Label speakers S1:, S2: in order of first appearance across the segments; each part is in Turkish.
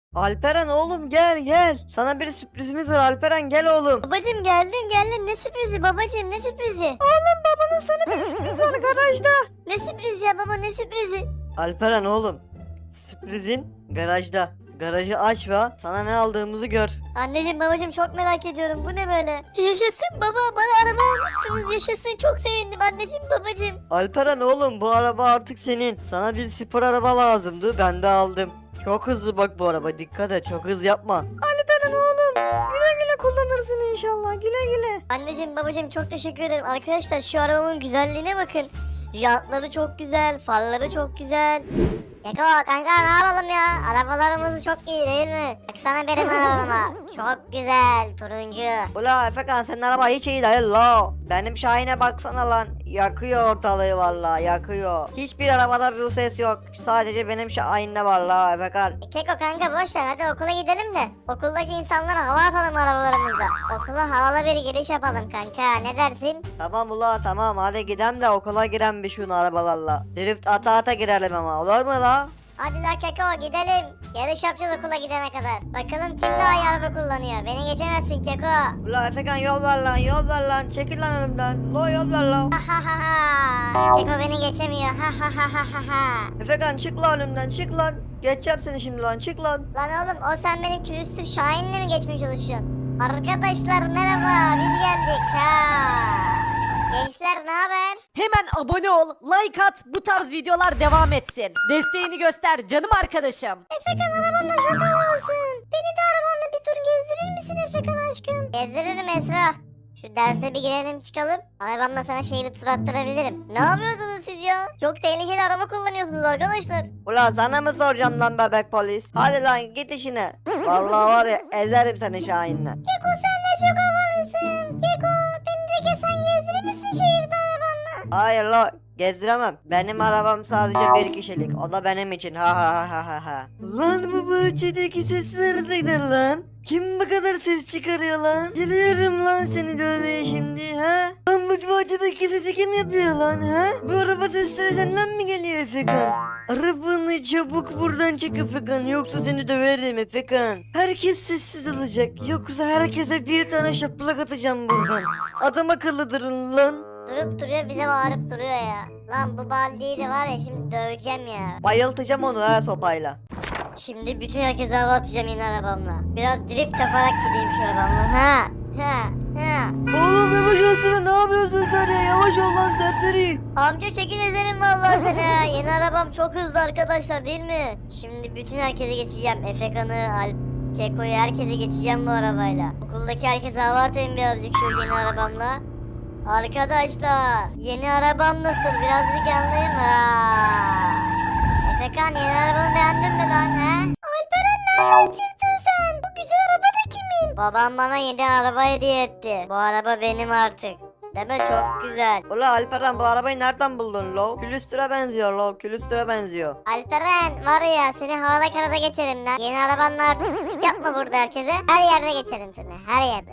S1: Alperen oğlum gel. Sana bir sürprizimiz var Alperen, gel oğlum.
S2: Babacım geldim ne sürprizi babacım ne sürprizi?
S1: Babanın sana bir sürpriz var garajda.
S2: Ne sürprizi ya baba ne sürprizi?
S1: Alperen oğlum, sürprizin garajda. Garajı aç ve sana ne aldığımızı gör.
S2: Anneciğim babacım çok merak ediyorum bu ne böyle? Yaşasın baba bana araba almışsınız yaşasın çok sevindim anneciğim babacım.
S1: Alperen oğlum, bu araba artık senin. Sana bir spor araba lazımdı, ben de aldım. Çok hızlı bak bu araba, dikkat et, çok hız yapma. Alperen oğlum, güle güle kullanırsın inşallah, güle güle.
S2: Anneciğim babacım çok teşekkür ederim. Arkadaşlar şu arabamın güzelliğine bakın. Jantları çok güzel, farları çok güzel. Keko kanka ne yapalım ya? Arabalarımız çok iyi değil mi? Baksana benim arabama. Çok güzel turuncu.
S1: Ula Efekan, senin araba hiç iyi değil la. Benim Şahin'e baksana lan. Yakıyor ortalığı vallahi, yakıyor. Hiçbir arabada bu ses yok. Sadece benim Şahin'de var la Efekan.
S2: Keko kanka boş ver hadi okula gidelim de. Okuldaki insanlara hava atalım arabalarımızla. Okula havalı bir giriş yapalım kanka ne dersin?
S1: Tamam ula tamam, hadi gidelim de okula giren bir şunu arabalarla. Drift ata girelim ama, olur mu la?
S2: Hadi la Keko gidelim. Yarış yapacağız okula gidene kadar. Bakalım kim daha iyi araba kullanıyor. Beni geçemezsin Keko.
S1: Ula Efekan, yol ver lan, çekil lan önümden. Lo, yol ver la.
S2: Ha ha ha ha. Keko beni geçemiyor. Ha ha ha ha ha ha.
S1: Efekan çık lan önümden, çık lan. Geçeceğim seni şimdi lan, çık lan.
S2: Lan oğlum o sen benim külüstür Şahin'le mi geçmeye çalışıyorsun? Arkadaşlar merhaba biz geldik ha. Gençler ne haber?
S3: Hemen abone ol, like at, bu tarz videolar devam etsin. Desteğini göster canım arkadaşım.
S2: Efekan arabanda çok havalısın. Beni de arabanla bir tur gezdirir misin Efekan aşkım? Gezdiririm Esra. Şu derse bir girelim çıkalım. Arabamla sana şehri tur attırabilirim. Ne yapıyordunuz siz ya? Çok tehlikeli araba kullanıyorsunuz arkadaşlar.
S1: Ula sana mı soracağım lan bebek polis? Hadi lan git işine. Vallahi var ya, ezerim seni Şahin'le.
S2: Keko sen de çok havalısın. Keko beni de sen gezdirir misin şehirde arabanla?
S1: Hayır la, gezdiremem. Benim arabam sadece bir kişilik. O da benim için. Ha ha ha ha ha. Lan bu bahçedeki sesler de ne lan? Kim bu kadar ses çıkarıyor lan? Geliyorum lan seni dövmeye şimdi ha? Lan bu bahçedeki sesi kim yapıyor lan ha? Bu araba sesleri senden mi geliyor Efekan? Arabanı çabuk buradan çek Efekan, yoksa seni döverim Efekan. Herkes sessiz olacak, yoksa herkese bir tane şaplak atacağım buradan. Adam akıllı durun lan.
S2: Durup duruyor bize bağırıp duruyor ya. Lan bu baldiyi de var ya şimdi döveceğim ya.
S1: Bayıltacağım onu ha sopayla.
S2: Şimdi bütün herkese hava atacağım yine arabamla. Biraz drift yaparak gideyim şu arabamla. Ha ha ha.
S1: Oğlum yavaş olsana, ne yapıyorsun sen ya? Yavaş ol lan serseri.
S2: Amca çekin ezerim vallahi seni ha. Yeni arabam çok hızlı arkadaşlar değil mi? Şimdi bütün herkese geçeceğim. Efekan'ı, Alp, Keko'yu herkese geçeceğim bu arabayla. Okuldaki herkese hava atayım birazcık şu yeni arabamla. Arkadaşlar yeni arabam nasıl birazcık anlayayım ha. Efekan yeni arabamı beğendin mi lan he? Alperen nereden çıktın sen? Bu güzel araba da kimin? Babam bana yeni araba hediye etti. Bu araba benim artık. Deme çok güzel.
S1: Ula Alperen, bu arabayı nereden buldun lo? Külüstüre benziyor lo, külüstüre benziyor.
S2: Alperen var ya seni havada karada geçerim lan. Yeni arabanla artistik yapma burada herkese. Her yerde geçerim seni her yerde.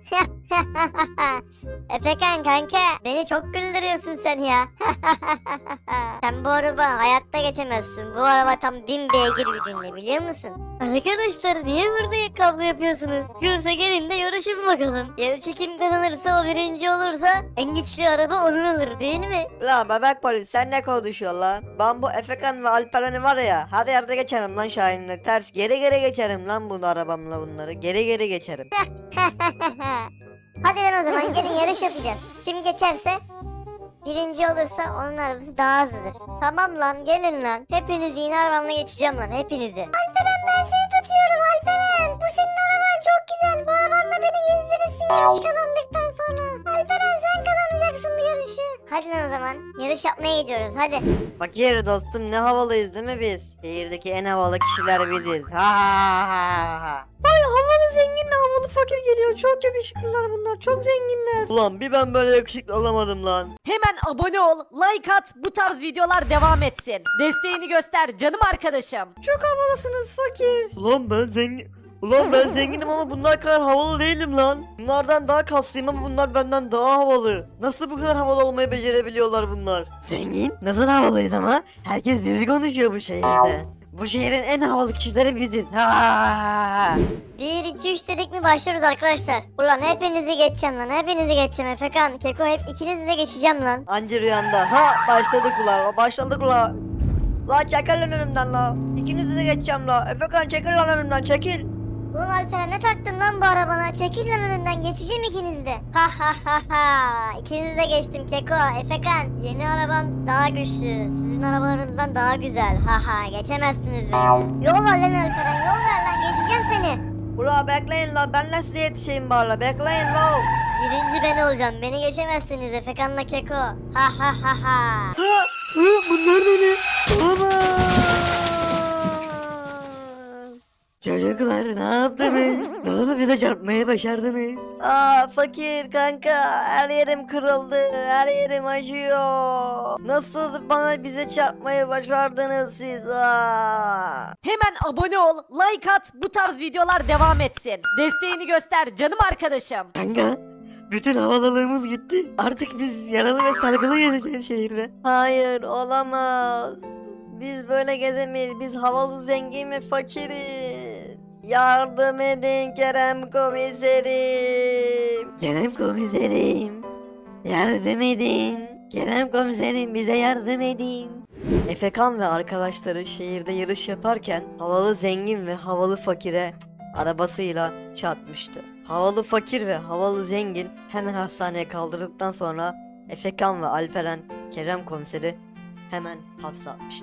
S2: Efekan kanka beni çok güldürüyorsun sen ya. Sen bu araba hayatta geçemezsin. Bu araba tam 1000 beygir gücünde biliyor musun? Arkadaşlar niye burada kavga yapıyorsunuz? Yoksa gelin de yarışın bakalım. Yarışı kim kazanırsa o birinci olursa en güçlü araba onun olur değil mi?
S1: Ula bebek polis, sen ne konuşuyorsun lan? Ben bu Efekan ve Alperen'i var ya, her yerde geçerim lan Şahin'le. Ters geri geçerim lan bunu arabamla bunları. Geri geçerim.
S2: Hadi lan o zaman gelin yarış yapacağız. Kim geçerse birinci olursa onun arabası daha hızlıdır. Tamam lan gelin lan. Hepinizi yine arabamla geçeceğim lan hepinizi. Alperen ben seni tutuyorum Alperen. Bu senin araban çok güzel. Bu arabanla beni gezdirirsin yarış kazandıktan sonra. Alperen sen kazanacaksın bu yarışı. Hadi lan o zaman yarış yapmaya gidiyoruz hadi.
S1: Fakir dostum, ne havalıyız değil mi biz? Şehirdeki en havalı kişiler biziz. Ha ha ha ha. Ay havalı zenginle havalı fakir geliyor. Çok yakışıklılar bunlar. Çok zenginler. Ulan bir ben böyle yakışıklı olamadım lan.
S3: Hemen abone ol, like at, bu tarz videolar devam etsin. Desteğini göster canım arkadaşım.
S1: Çok havalısınız fakir. Ulan ben zenginim ama bunlar kadar havalı değilim lan. Bunlardan daha kaslıyım ama bunlar benden daha havalı. Nasıl bu kadar havalı olmayı becerebiliyorlar bunlar? Zengin? Nasıl havalıyız ama? Herkes biri konuşuyor bu şehirde. Bu şehrin en havalı kişileri biziz. Ha, ha, ha, ha.
S2: 1 2 3 dedik mi başlıyoruz arkadaşlar. Ulan hepinizi geçeceğim lan. Hepinizi geçeceğim Efekan, Keko, hep ikinizi de geçeceğim lan.
S1: Anca rüyanda. Ha başladık ulan. Başladık ulan. La çekil lan önümden la. İkinizi de geçeceğim la. Efekan çekil lan önümden çekil.
S2: Ulan Alperen ne taktın lan bu arabana? Çekil lan önümden, geçeceğim ikinizi de. Ha ha ha ha. İkinizi de geçtim Keko, Efekan. Yeni arabam daha güçlü. Sizin arabalarınızdan daha güzel. Ha ha, geçemezsiniz beni. Yol ver lan Alperen, yol ver lan, geçeceğim seni.
S1: Ula bekleyin la. Ben de size yetişeyim bari. Bekleyin la.
S2: Birinci ben olacağım. Beni geçemezsiniz Efekan'la Keko. Ha ha ha ha.
S1: Ha, bunlar ne? Olamaz. Çocuklar ne yaptınız? Ne oldu bize çarpmaya başardınız? Aa fakir kanka her yerim kırıldı. Her yerim acıyor. Nasıl bize çarpmayı başardınız siz? Aa.
S3: Hemen abone ol, like at, bu tarz videolar devam etsin. Desteğini göster canım arkadaşım.
S1: Kanka bütün havalılığımız gitti. Artık biz yaralı ve sargılı gezeceğiz şehirde. Hayır olamaz. Biz böyle gezemeyiz. Biz havalı zengin ve fakiriz. Yardım edin Kerem komiserim. Kerem komiserim. Yardım edin. Kerem komiserim bize yardım edin. Efekan ve arkadaşları şehirde yarış yaparken havalı zengin ve havalı fakire arabasıyla çarpmıştı. Havalı fakir ve havalı zengin hemen hastaneye kaldırıldıktan sonra Efekan ve Alperen Kerem komiseri hemen hapse atmıştı.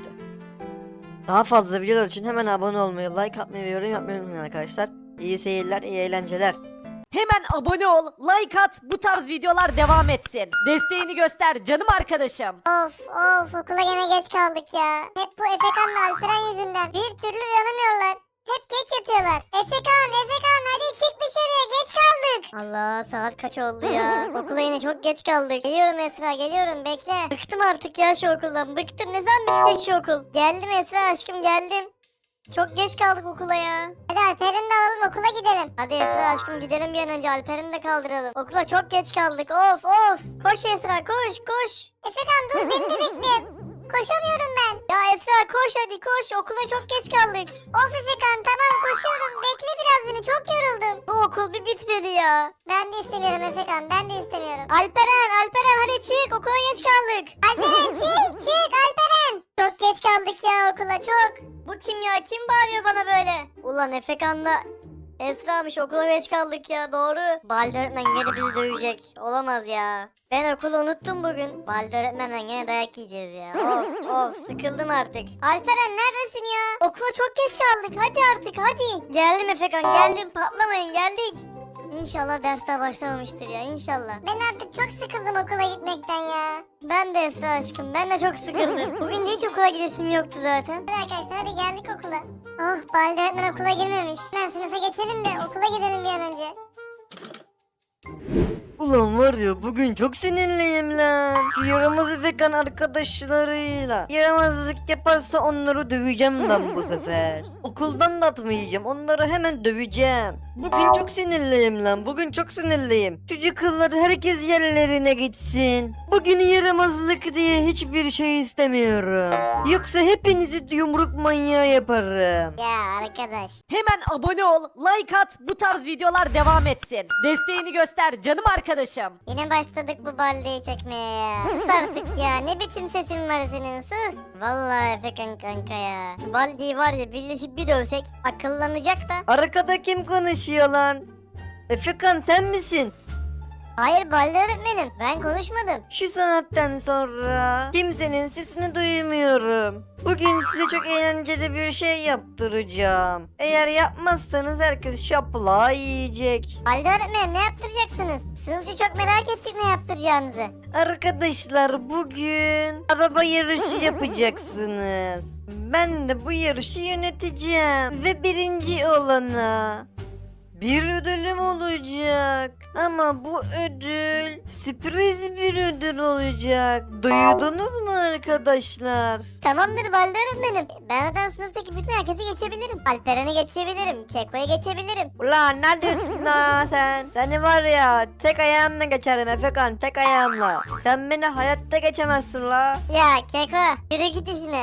S1: Daha fazla videolar için hemen abone olmayı, like atmayı ve yorum yapmayı unutmayın arkadaşlar. İyi seyirler, iyi eğlenceler.
S3: Hemen abone ol, like at, bu tarz videolar devam etsin. Desteğini göster canım arkadaşım.
S2: Of of, okula gene geç kaldık ya. Hep bu Efekan'la Alperen yüzünden. Bir türlü uyanamıyorlar. Hep geç yatıyorlar. Efekan hadi çık dışarıya, geç kaldık. Allah, saat kaç oldu ya. Okula yine çok geç kaldık. Geliyorum Esra, geliyorum, bekle. Bıktım artık ya şu okuldan, bıktım. Ne zaman bitecek şu okul? Geldim Esra aşkım, geldim. Çok geç kaldık okula ya. Hadi Alperen'i de alalım, okula gidelim. Hadi Esra aşkım gidelim bir an önce, Alperen'i de kaldıralım. Okula çok geç kaldık, of of. Koş Esra, koş. Efekan dur, beni de bekle. Koşamıyorum ben. Ya Esra koş hadi koş, okula çok geç kaldık. Of Efekan tamam koşuyorum, bekle biraz beni, çok yoruldum. Bu okul bir bitmedi ya. Ben de istemiyorum Efekan, ben de istemiyorum. Alperen hadi çık, okula geç kaldık. Alperen çık Alperen. Çok geç kaldık ya okula, çok. Bu kim ya, kim bağırıyor bana böyle? Ulan Efekan'la Esra'mış, okula geç kaldık ya, doğru. Balde öğretmen gene bizi dövecek. Olamaz ya. Ben okulu unuttum bugün. Balde öğretmenden gene dayak yiyeceğiz ya. Of sıkıldım artık. Alperen neredesin ya? Okula çok geç kaldık, hadi artık hadi. Geldim Efekan, geldim, patlamayın, geldik. İnşallah dersler başlamamıştır ya, inşallah. Ben artık çok sıkıldım okula gitmekten ya. Ben de Esra aşkım, ben de çok sıkıldım. Bugün de hiç okula gidesim yoktu zaten. Hadi arkadaşlar hadi geldik okula. Oh, Balde öğretmen okula girmemiş. Ben sınıfa geçelim de okula gidelim bir an önce.
S1: Ulan var ya bugün çok sinirliyim lan. Şu yaramaz Efekan arkadaşlarıyla. Yaramazlık yaparsa onları döveceğim lan bu sefer. Okuldan da atmayacağım, onları hemen döveceğim. Bugün çok sinirliyim lan, bugün çok sinirliyim. Çocuklar herkes yerlerine gitsin. Bugün yaramazlık diye hiçbir şey istemiyorum. Yoksa hepinizi yumruk manyağı yaparım.
S2: Ya arkadaş.
S3: Hemen abone ol, like at, bu tarz videolar devam etsin. Desteğini göster canım arkadaşım.
S2: Yine başladık bu baldeyi çekmeye ya. Sus artık ya, ne biçim sesin var senin, sus. Vallahi Efekan kanka ya. Baldeyi var ya birleşip bir dövsek akıllanacak da.
S1: Arkada kim konuşuyor lan? Efekan sen misin?
S2: Hayır Balde öğretmenim, ben konuşmadım.
S1: Şu saatten sonra kimsenin sesini duymuyorum. Bugün size çok eğlenceli bir şey yaptıracağım. Eğer yapmazsanız herkes şapla yiyecek.
S2: Balde öğretmenim ne yaptıracaksınız? Sınıfçı çok merak ettik ne yaptıracağınızı.
S1: Arkadaşlar bugün araba yarışı yapacaksınız. Ben de bu yarışı yöneteceğim. Ve birinci olana bir ödülüm olacak. Ama bu ödül sürpriz bir ödül olacak. Duydunuz mu arkadaşlar?
S2: Tamamdır Balde öğretmenim. Ben zaten sınıftaki bütün herkesi geçebilirim. Alperen'i geçebilirim. Keko'yu geçebilirim.
S1: Ulan ne diyorsun lan sen? Seni var ya tek ayağımla geçerim Efekan, tek ayağımla. Sen beni hayatta geçemezsin la.
S2: Ya Keko yürü git işine.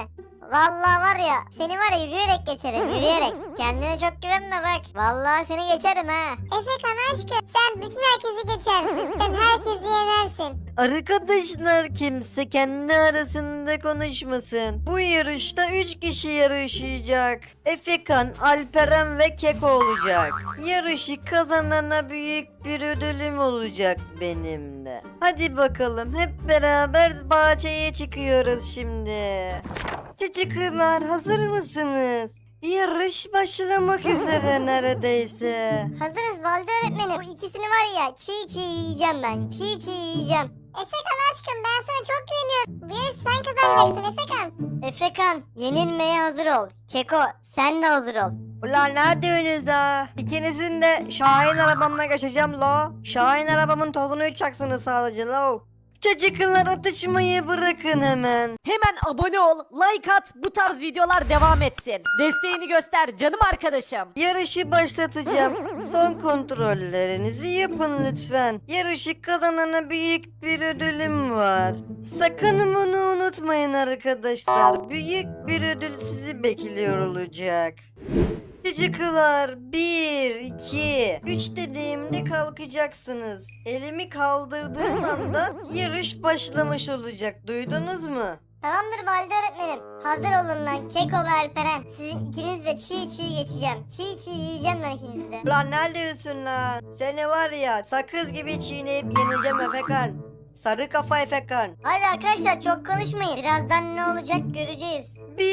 S2: Vallahi var ya seni var ya yürüyerek geçerim yürüyerek. Kendine çok güvenme bak. Vallahi seni geçerim ha.
S4: Efekan aşkım sen bütün herkesi geçersin. Sen herkesi yenersin.
S1: Arkadaşlar kimse kendi arasında konuşmasın. Bu yarışta 3 kişi yarışacak. Efekan, Alperen ve Keko olacak. Yarışı kazanana büyük bir ödülüm olacak benim de. Hadi bakalım hep beraber bahçeye çıkıyoruz şimdi. Çocuklar hazır mısınız? Yarış başlamak üzere neredeyse.
S2: Hazırız Balde öğretmenim. Bu ikisini var ya çiğ yiyeceğim ben. Çiğ yiyeceğim.
S4: Efekan aşkım ben sana çok güveniyorum. Bu yarışı sen kazanacaksın Efekan.
S2: Efekan yenilmeye hazır ol. Keko sen de hazır ol.
S1: Ulan ne diyorsunuz da? İkinizin de Şahin arabamla geçeceğim lo. Şahin arabamın tozunu uçacaksınız sadece lo. Çocuklar atışmayı bırakın hemen.
S3: Hemen abone ol, like at, bu tarz videolar devam etsin. Desteğini göster canım arkadaşım.
S1: Yarışı başlatacağım. Son kontrollerinizi yapın lütfen. Yarışı kazanana büyük bir ödülüm var. Sakın bunu unutmayın arkadaşlar. Büyük bir ödül sizi bekliyor olacak. Çocuklar 1, 2, 3 dediğimde kalkacaksınız. Elimi kaldırdığım anda yarış başlamış olacak. Duydunuz mu?
S2: Tamamdır Balde öğretmenim. Hazır olun lan Keko ve Alperen. Sizin ikiniz de çiğ geçeceğim. Çiğ yiyeceğim lan ikinizi de.
S1: Lan ne diyorsun lan? Seni var ya sakız gibi çiğneyip yeneceğim Efekan. Sarı kafa Efekan.
S2: Hadi arkadaşlar çok konuşmayın. Birazdan ne olacak göreceğiz.
S1: 1,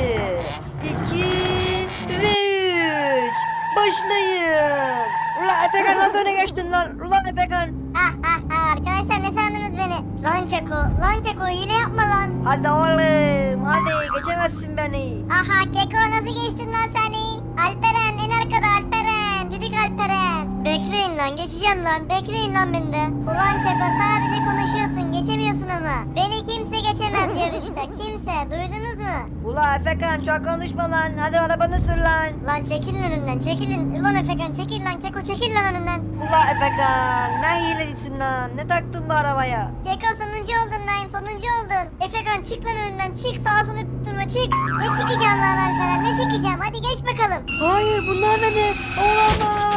S1: 2 ve 3. Başlayın. Ulan Efekan nasıl öne geçtin lan? Ulan Efekan.
S2: Arkadaşlar ne sandınız beni? Lan Keko hile yapma lan.
S1: Hadi oğlum hadi geçemezsin beni.
S2: Aha Keko nasıl geçtin lan sen? Alperen en arkada Alperen. Düdük Alperen. Bekleyin lan geçeceğim lan. Bekleyin lan beni de. Ulan Keko sadece konuşuyorsun geçemiyorsun ama. Beni kimse geçemez yarışta. Kimse duydunuz mu?
S1: Ulan Efekan çok konuşma lan. Hadi arabanı sür lan.
S2: Lan çekilin önümden çekilin. Ulan Efekan çekil lan Keko çekil lan önümden.
S1: Ulan Efekan ne hilecisin lan. Ne taktın bu arabaya?
S2: Keko sonuncu oldun lan sonuncu oldun. Efekan çık lan önümden çık sağa sola tutturma çık. Ne çıkacağım lan Alperen ne çıkacağım hadi geç bakalım.
S1: Hayır bunlar ne? Olamaz.